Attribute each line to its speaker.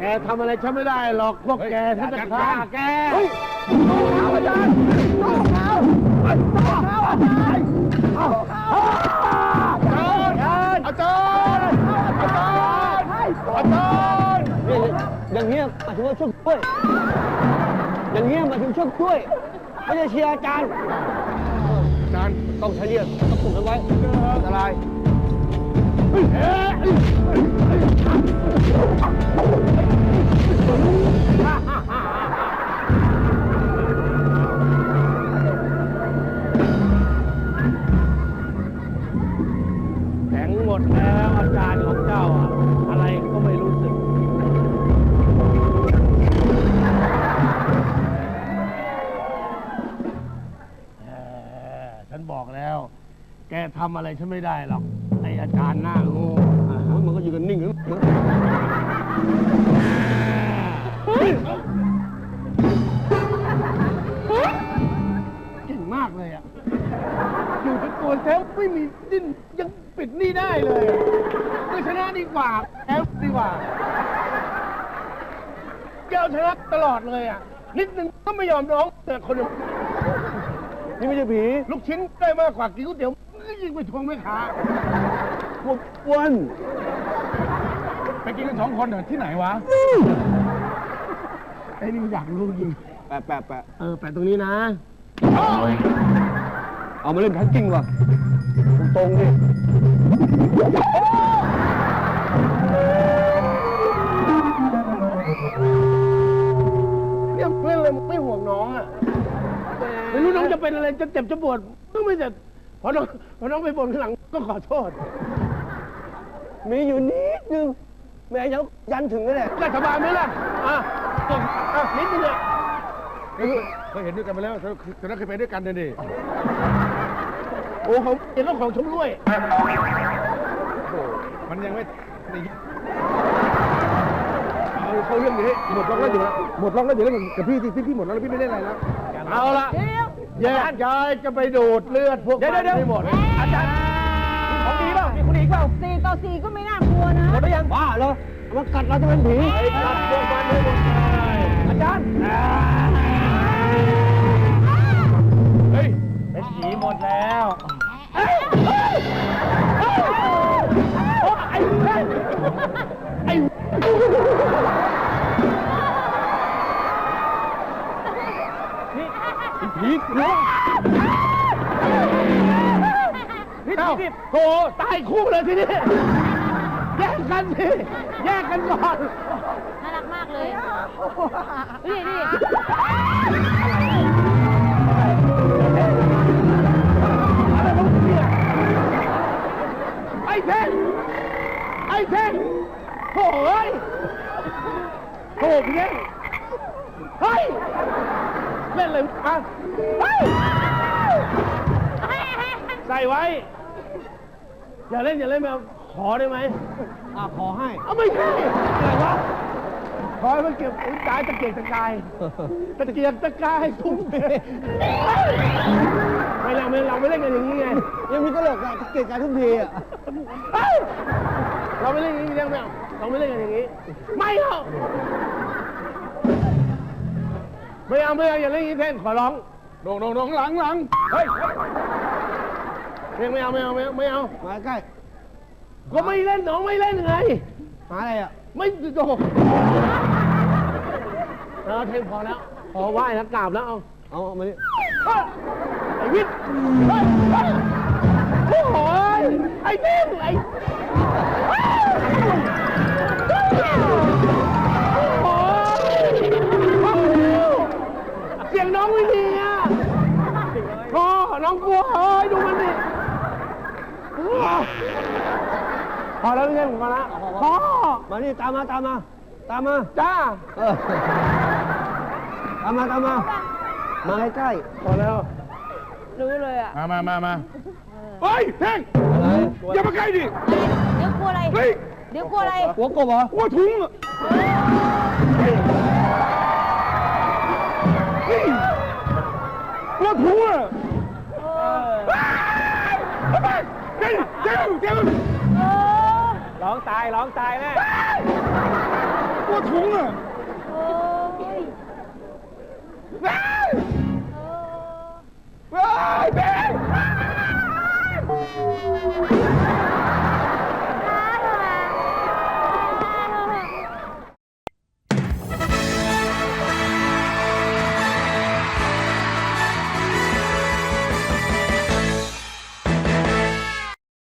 Speaker 1: แกทำอะไรฉันไม่ได้หรอกพวกแกฉันจะฆ่าแกอาจารย์
Speaker 2: อย่างเงี้ยหมายถึงว่าช่วยช่วยอย่างเงี้ยหมายถึงช่วยช่วยไม่ใช่เชียร์อาจารย์ต้องใช้เรียกต้องปลุกกันไว้อะไร
Speaker 1: แข็งหมดแล้วอาจารย์ของเจ้าอะไรก็ไม่รู้สึกฉันบอกแล้วแกทำอะไรฉันไม่ได้หรอกไออาจารย์หน้าโง่
Speaker 2: มันก็ยืนนิ่งอยู่
Speaker 1: เก่งมากเลยอ่ะอยู่เป็นตัวแทบไม่มีดิ้นยังปิดนี่ได้เลยก็ชนะดีกว่าแพ้ดีกว่าแกเอาชนะตลอดเลยอ่ะนิดนึงก็ไม่ยอมร้องแต่คน
Speaker 2: นี่ไม่ใช่ผี
Speaker 1: ลูกชิ้นได้มากกว่ากินก๋วยเตี๋ยวก็ยิงไปทวงแม่ค้า
Speaker 2: วัน
Speaker 1: ไปกินกัน2 คนเหรอที่ไหนวะไอ้นี่มันอยากรู้จริง
Speaker 2: แปะ
Speaker 1: แปะตรงนี้นะ
Speaker 2: เอามาเล่นแพ็กกิ้งว่ะตรงดิ
Speaker 1: เนี่ยเล่นเลยไม่ห่วงน้องอ่ะไม่รู้น้องจะเป็นอะไรจะเจ็บจะปวดก็ไม่เจ็บพอน้องไปบ่นข้างหลังก็ขอโทษ
Speaker 2: มีอยู่นิดนึงแม่ยังยันถึงนั่นแหละ
Speaker 1: ได้สบายไหมล่ะนิดนึงอ่ะเคยเห็นด้วยกันมาแล้วแต่เราเคยไปด้วยกันดิโอ้เขาเป็นเรื่องของชมรวยมันยังไม่เขาเรื่องนี้หมดล็อกแล้วอยู่แล้วกับพี่ที่หมดแล้วพี่ไม่ได้อะไรแล้วเอาละแยกย้ายจะไปดูดเลือดพวกมันให้หมดอาจารย์ของดีเปล่ามีคนอีกเปล่า
Speaker 3: 4 ต่อ 4ก็ไม่น่ากลัวนะ
Speaker 2: หมดหรือยังบ้าเหรอมันกัดเราจะเป็นผี
Speaker 1: กัดพวกมันให้หมดเลย
Speaker 2: อาจารย์
Speaker 1: เฮ้ยเป็นผีหมดแล้วไอ้ผีน้องนี่โธ่ตายคู่เลยทีนี้แยกกันสิแยกกันก่อน
Speaker 3: น่ารักมากเลยนี่
Speaker 1: อะไรของเนี่ยไอ้เท่งโถ่เฮ้ยโถ่พี่เท่งเฮ้ยเล่นเลยอ่ะใส่ไว้อย่าเล่นแบบขอได้ไหม
Speaker 2: ขอให้
Speaker 1: ไม่ใช่อะไรวะขอให้มันเก็บตายตะเกียกตะกายทุ่มเทไม่เราไม่เล่นกันอย่างนี้ไง
Speaker 2: ยังมีตลกอะตะเกียกกายทุ่มเทอะ
Speaker 1: เราไม่เล่นอย่างนี้ยังไม่เอาเราไม่เล่นกันอย่างนี้ไม่เอาอย่าเล่นอย่างนี้แทนขอร้องโด่งหลังเฮ้ยไม่เอา
Speaker 2: มาใกล้
Speaker 1: ก็ไม่เล่นน้องไม่เล่นไง
Speaker 2: หาอะไรอ่ะ
Speaker 1: ไม่โดดเทมพอแล้วพอไหว้แล้วกราบแล้ว
Speaker 2: เอามาดิ
Speaker 1: ไอ้วิทย์โอ้โหไอ้เท่งเสียงน้องไม่ดีอ่ะน้องกลัวเฮ้ยดูมันดิพอแล้วเรื่องของมันละพ่อ
Speaker 2: มานี่ตามมาจ้า
Speaker 1: ตาม
Speaker 2: มาใกล้
Speaker 1: พอแล้ว
Speaker 3: รู้เลยอ่ะ
Speaker 1: มาเฮ้ยเท่งอย่ามาใกล้ดิ
Speaker 3: เดี๋ยวกลัวอะไร
Speaker 2: หัวกบเหรอ
Speaker 1: หัวถุงหัวถุงอ่ะเจ้าร้องตายแน่ลัวถุงอ่ะ
Speaker 3: โอ้ย
Speaker 1: ว้าย
Speaker 3: เออ
Speaker 1: ว้ายเบน